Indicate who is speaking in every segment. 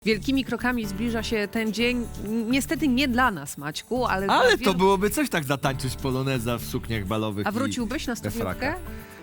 Speaker 1: Wielkimi krokami zbliża się ten dzień. Niestety nie dla nas, Maćku, ale dla
Speaker 2: Ale
Speaker 1: wielu...
Speaker 2: to byłoby coś tak zatańczyć poloneza w sukniach balowych.
Speaker 1: A wróciłbyś na
Speaker 2: we
Speaker 1: studniówkę?
Speaker 2: frakach.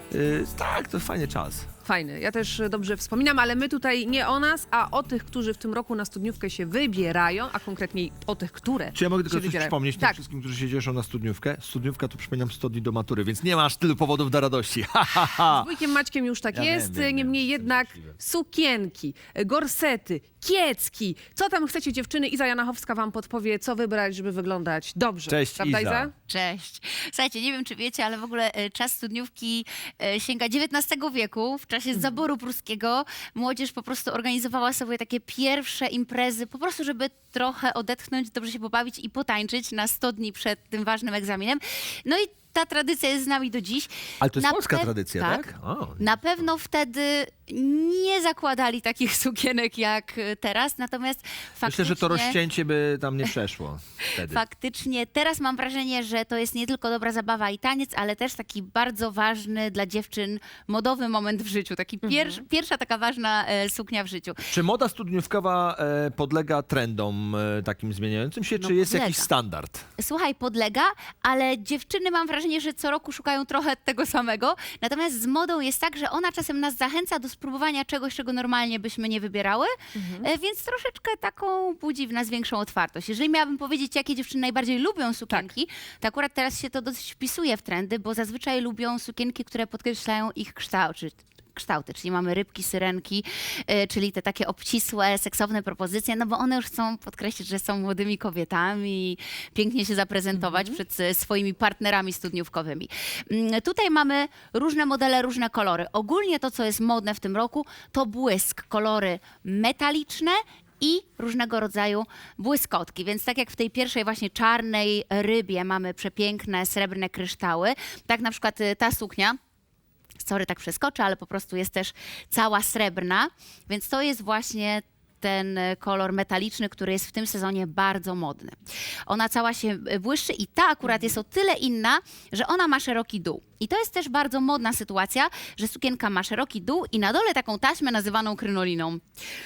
Speaker 2: Tak, to fajny czas.
Speaker 1: Fajny, ja też dobrze wspominam, ale my tutaj nie o nas, a o tych, którzy w tym roku na studniówkę się wybierają, a konkretniej o tych, które
Speaker 2: Czy ja mogę tylko
Speaker 1: się
Speaker 2: coś
Speaker 1: wybierają.
Speaker 2: przypomnieć tym
Speaker 1: Tak.
Speaker 2: wszystkim, którzy się cieszą na studniówkę? Studniówka to przypominam 100 dni do matury, więc nie masz tylu powodów do radości. Ha, ha, ha.
Speaker 1: Z wujkiem Maćkiem już tak
Speaker 2: Ja
Speaker 1: jest,
Speaker 2: wiem,
Speaker 1: niemniej
Speaker 2: jestem
Speaker 1: jednak
Speaker 2: szczęśliwy.
Speaker 1: sukienki, gorsety, kiecki. Co tam chcecie, dziewczyny? Iza Janachowska wam podpowie, co wybrać, żeby wyglądać dobrze.
Speaker 2: Cześć,
Speaker 1: Prawda,
Speaker 2: Iza.
Speaker 3: Cześć. Słuchajcie, nie wiem, czy wiecie, ale w ogóle czas studniówki sięga XIX wieku. W czasie zaboru pruskiego młodzież po prostu organizowała sobie takie pierwsze imprezy, po prostu, żeby trochę odetchnąć, dobrze się pobawić i potańczyć na 100 dni przed tym ważnym egzaminem. No i ta tradycja jest z nami do dziś.
Speaker 2: Ale to jest
Speaker 3: Na
Speaker 2: polska
Speaker 3: pe-
Speaker 2: tradycja, tak? O,
Speaker 3: Na pewno wtedy nie zakładali takich sukienek jak teraz, natomiast faktycznie...
Speaker 2: myślę, że to rozcięcie by tam nie przeszło wtedy.
Speaker 3: Faktycznie teraz mam wrażenie, że to jest nie tylko dobra zabawa i taniec, ale też taki bardzo ważny dla dziewczyn modowy moment w życiu. Taki pierwsza taka ważna suknia w życiu.
Speaker 2: Czy moda studniówkowa podlega trendom takim zmieniającym się,
Speaker 3: No,
Speaker 2: czy jest
Speaker 3: podlega.
Speaker 2: jakiś standard?
Speaker 3: Słuchaj, podlega, ale dziewczyny mam wrażenie, że co roku szukają trochę tego samego. Natomiast z modą jest tak, że ona czasem nas zachęca do spróbowania czegoś, czego normalnie byśmy nie wybierały, więc troszeczkę taką budzi w nas większą otwartość. Jeżeli miałabym powiedzieć, jakie dziewczyny najbardziej lubią sukienki, to akurat teraz się to dosyć wpisuje w trendy, bo zazwyczaj lubią sukienki, które podkreślają ich kształty, czyli mamy rybki, syrenki, czyli te takie obcisłe, seksowne propozycje, no bo one już chcą podkreślić, że są młodymi kobietami i pięknie się zaprezentować przed swoimi partnerami studniówkowymi. Tutaj mamy różne modele, różne kolory. Ogólnie to, co jest modne w tym roku, to błysk, kolory metaliczne i różnego rodzaju błyskotki. Więc tak jak w tej pierwszej właśnie czarnej rybie mamy przepiękne srebrne kryształy, tak na przykład ta suknia, sorry, tak przeskoczę, ale po prostu jest też cała srebrna, więc to jest właśnie ten kolor metaliczny, który jest w tym sezonie bardzo modny. Ona cała się błyszczy i ta akurat jest o tyle inna, że ona ma szeroki dół. I to jest też bardzo modna sytuacja, że sukienka ma szeroki dół i na dole taką taśmę nazywaną krynoliną.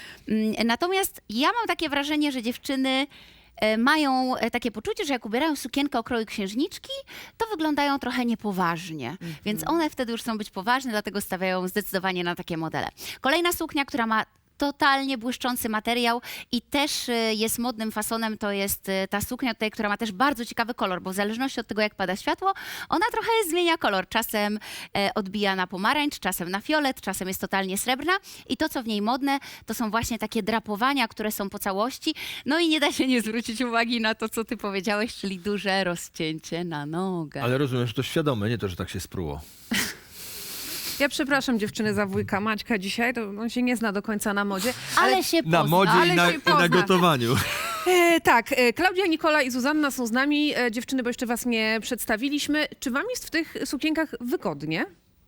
Speaker 3: Natomiast ja mam takie wrażenie, że dziewczyny mają takie poczucie, że jak ubierają sukienkę o kroju księżniczki, to wyglądają trochę niepoważnie. Więc one wtedy już chcą być poważne, dlatego stawiają zdecydowanie na takie modele. Kolejna suknia, która ma totalnie błyszczący materiał i też jest modnym fasonem, to jest ta suknia tutaj, która ma też bardzo ciekawy kolor, bo w zależności od tego, jak pada światło, ona trochę zmienia kolor. Czasem odbija na pomarańcz, czasem na fiolet, czasem jest totalnie srebrna i to, co w niej modne, to są właśnie takie drapowania, które są po całości. No i nie da się nie zwrócić uwagi na to, co ty powiedziałeś, czyli duże rozcięcie na nogę.
Speaker 2: Ale rozumiem, że to świadome, nie to, że tak się spruło.
Speaker 1: Ja przepraszam dziewczyny za wujka Maćka dzisiaj, to on się nie zna do końca na modzie.
Speaker 3: Ale się pozna.
Speaker 2: Na modzie
Speaker 1: ale
Speaker 2: i na,
Speaker 1: się
Speaker 2: i na
Speaker 1: pozna.
Speaker 2: gotowaniu.
Speaker 1: Tak, Klaudia, Nikola i Zuzanna są z nami. Dziewczyny, bo jeszcze was nie przedstawiliśmy. Czy wam jest w tych sukienkach wygodnie?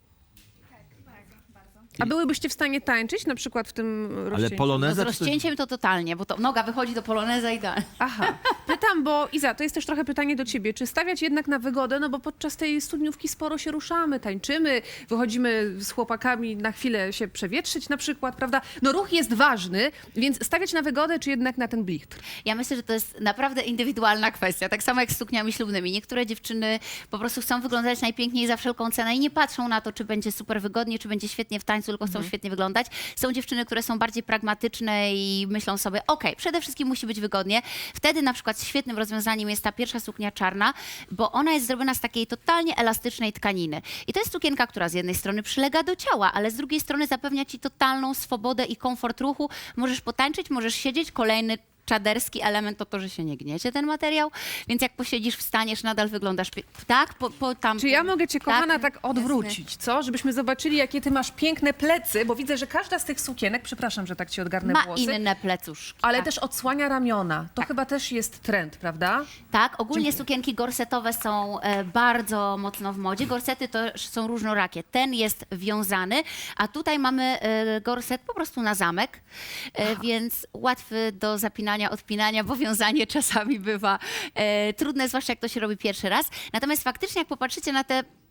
Speaker 1: A byłybyście w stanie tańczyć na przykład w tym
Speaker 2: Ale
Speaker 1: rozcięciu?
Speaker 3: No z
Speaker 2: poloneza czy coś...
Speaker 3: rozcięciem to totalnie, bo to noga wychodzi do poloneza idealnie.
Speaker 1: Aha. Pytam, bo Iza, to jest też trochę pytanie do ciebie. Czy stawiać jednak na wygodę? No bo podczas tej studniówki sporo się ruszamy, tańczymy, wychodzimy z chłopakami na chwilę się przewietrzyć na przykład, prawda? No ruch jest ważny, więc stawiać na wygodę, czy jednak na ten blichtr?
Speaker 3: Ja myślę, że to jest naprawdę indywidualna kwestia, tak samo jak z sukniami ślubnymi. Niektóre dziewczyny po prostu chcą wyglądać najpiękniej za wszelką cenę i nie patrzą na to, czy będzie super wygodnie, czy będzie świetnie w tańcu, tylko chcą świetnie wyglądać. Są dziewczyny, które są bardziej pragmatyczne i myślą sobie, okej, przede wszystkim musi być wygodnie. Wtedy na przykład świetnym rozwiązaniem jest ta pierwsza suknia czarna, bo ona jest zrobiona z takiej totalnie elastycznej tkaniny. I to jest sukienka, która z jednej strony przylega do ciała, ale z drugiej strony zapewnia ci totalną swobodę i komfort ruchu. Możesz potańczyć, możesz siedzieć. Kolejny czaderski element to, że się nie gniecie ten materiał, więc jak posiedzisz, wstaniesz, nadal wyglądasz tak, tam.
Speaker 1: Czy ja mogę cię, kochana, tak
Speaker 3: jasne.
Speaker 1: odwrócić, co? Żebyśmy zobaczyli, jakie ty masz piękne plecy, bo widzę, że każda z tych sukienek, przepraszam, że tak ci odgarnę
Speaker 3: Ma
Speaker 1: włosy,
Speaker 3: inne plecuszki.
Speaker 1: ale
Speaker 3: tak.
Speaker 1: też odsłania ramiona. To chyba też jest trend, prawda?
Speaker 3: Tak, ogólnie sukienki gorsetowe są bardzo mocno w modzie. Gorsety to są różnorakie. Ten jest wiązany, a tutaj mamy gorset po prostu na zamek, więc łatwy do zapinania, odpinania, bo wiązanie czasami bywa trudne, zwłaszcza jak to się robi pierwszy raz. Natomiast faktycznie, jak popatrzycie na te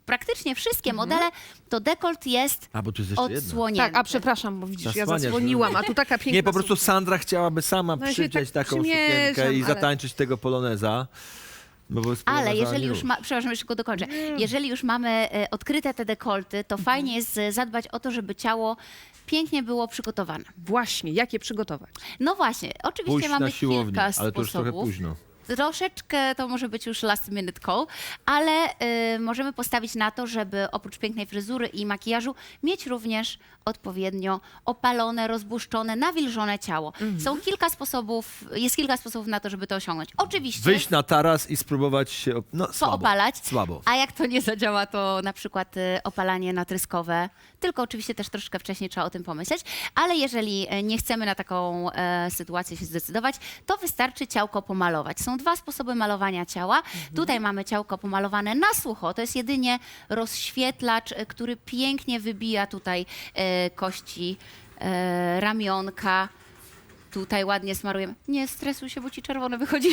Speaker 3: praktycznie wszystkie modele, to dekolt jest
Speaker 2: A, bo tu jest jeszcze jedna.
Speaker 3: odsłonięty.
Speaker 1: Tak, a przepraszam, bo widzisz, ja
Speaker 2: Zasłaniasz,
Speaker 1: zasłoniłam, a tu taka piękna
Speaker 2: Nie, po prostu
Speaker 1: suknia.
Speaker 2: Sandra chciałaby sama
Speaker 1: No ja się
Speaker 2: przywdziać
Speaker 1: tak
Speaker 2: taką
Speaker 1: przymierzam,
Speaker 2: sukienkę i
Speaker 1: ale-
Speaker 2: zatańczyć tego poloneza. No bo jest
Speaker 3: Ale
Speaker 2: poloneza
Speaker 3: jeżeli już przepraszam, jeszcze go dokończę. Jeżeli już mamy odkryte te dekolty, to fajnie jest zadbać o to, żeby ciało pięknie było przygotowane.
Speaker 1: Właśnie, jak je przygotować?
Speaker 3: No właśnie, oczywiście
Speaker 2: pójść
Speaker 3: mamy
Speaker 2: na siłownię,
Speaker 3: kilka
Speaker 2: ale to już trochę
Speaker 3: sposobów.
Speaker 2: późno.
Speaker 3: Troszeczkę to może być już last minute call, ale możemy postawić na to, żeby oprócz pięknej fryzury i makijażu mieć również odpowiednio opalone, rozbłuszczone, nawilżone ciało. Jest kilka sposobów na to, żeby to osiągnąć. Oczywiście
Speaker 2: Wyjść na taras i spróbować się słabo.
Speaker 3: poopalać.
Speaker 2: Słabo.
Speaker 3: A jak to nie zadziała, to na przykład opalanie natryskowe, tylko oczywiście też troszeczkę wcześniej trzeba o tym pomyśleć, ale jeżeli nie chcemy na taką sytuację się zdecydować, to wystarczy ciałko pomalować. Są dwa sposoby malowania ciała. Tutaj mamy ciałko pomalowane na sucho, to jest jedynie rozświetlacz, który pięknie wybija tutaj kości ramionka. Tutaj ładnie smarujemy. Nie stresuj się, bo ci czerwone wychodzi.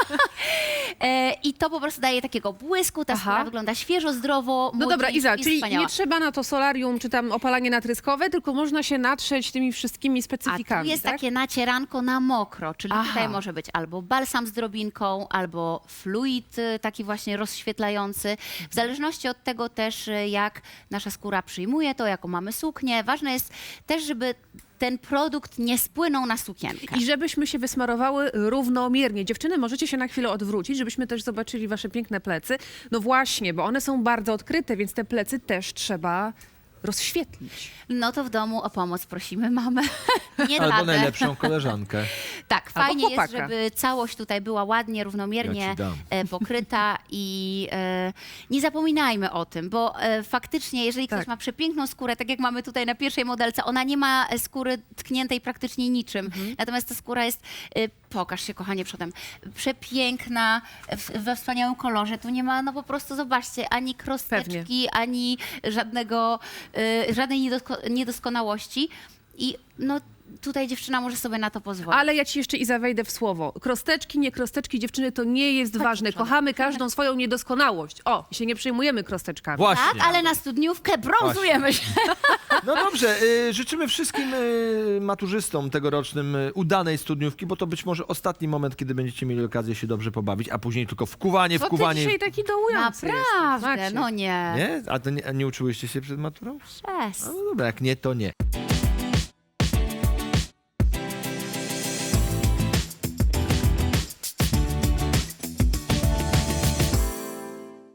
Speaker 3: I to po prostu daje takiego błysku, ta skóra wygląda świeżo, zdrowo,
Speaker 1: No dobra,
Speaker 3: młodzieńczo
Speaker 1: Iza,
Speaker 3: i
Speaker 1: czyli
Speaker 3: wspaniała.
Speaker 1: nie trzeba na to solarium czy tam opalanie natryskowe, tylko można się natrzeć tymi wszystkimi
Speaker 3: A
Speaker 1: specyfikami,
Speaker 3: tu jest
Speaker 1: tak?
Speaker 3: takie nacieranko na mokro, czyli
Speaker 1: Aha.
Speaker 3: tutaj może być albo balsam z drobinką, albo fluid taki właśnie rozświetlający. W zależności od tego też, jak nasza skóra przyjmuje to, jaką mamy suknię. Ważne jest też, żeby ten produkt nie spłynął na sukienkę.
Speaker 1: I żebyśmy się wysmarowały równomiernie. Dziewczyny, możecie się na chwilę odwrócić, żebyśmy też zobaczyli wasze piękne plecy. No właśnie, bo one są bardzo odkryte, więc te plecy też trzeba rozświetlić.
Speaker 3: No to w domu o pomoc prosimy mamę. Nie
Speaker 2: Albo
Speaker 3: tatę.
Speaker 2: najlepszą koleżankę.
Speaker 3: Tak,
Speaker 1: Albo
Speaker 3: fajnie jest,
Speaker 1: chłopaka.
Speaker 3: żeby całość tutaj była ładnie,
Speaker 2: Ja
Speaker 3: równomiernie
Speaker 2: ci dam.
Speaker 3: pokryta i nie zapominajmy o tym, bo faktycznie, jeżeli ktoś
Speaker 1: Tak.
Speaker 3: ma przepiękną skórę, tak jak mamy tutaj na pierwszej modelce, ona nie ma skóry tkniętej praktycznie niczym,
Speaker 1: Mhm.
Speaker 3: natomiast ta skóra jest, pokaż się kochanie przodem, przepiękna, we wspaniałym kolorze, tu nie ma, no po prostu zobaczcie, ani krosteczki, ani żadnej niedoskonałości i no tutaj dziewczyna może sobie na to pozwolić.
Speaker 1: Ale ja ci jeszcze, Iza, wejdę w słowo. Krosteczki, nie krosteczki, dziewczyny, to nie jest ważne. Kochamy każdą swoją niedoskonałość. O, i się nie przejmujemy krosteczkami.
Speaker 2: Właśnie.
Speaker 3: Tak, ale na studniówkę brązujemy się.
Speaker 2: No dobrze, życzymy wszystkim maturzystom tegorocznym udanej studniówki, bo to być może ostatni moment, kiedy będziecie mieli okazję się dobrze pobawić, a później tylko wkuwanie.
Speaker 1: Co ty dzisiaj taki dołujący
Speaker 3: Naprawdę,
Speaker 1: jesteś, Maciek?
Speaker 3: no nie.
Speaker 2: Nie? A to nie uczyłyście się przed maturą?
Speaker 3: Przez.
Speaker 2: No dobra, jak nie, to nie.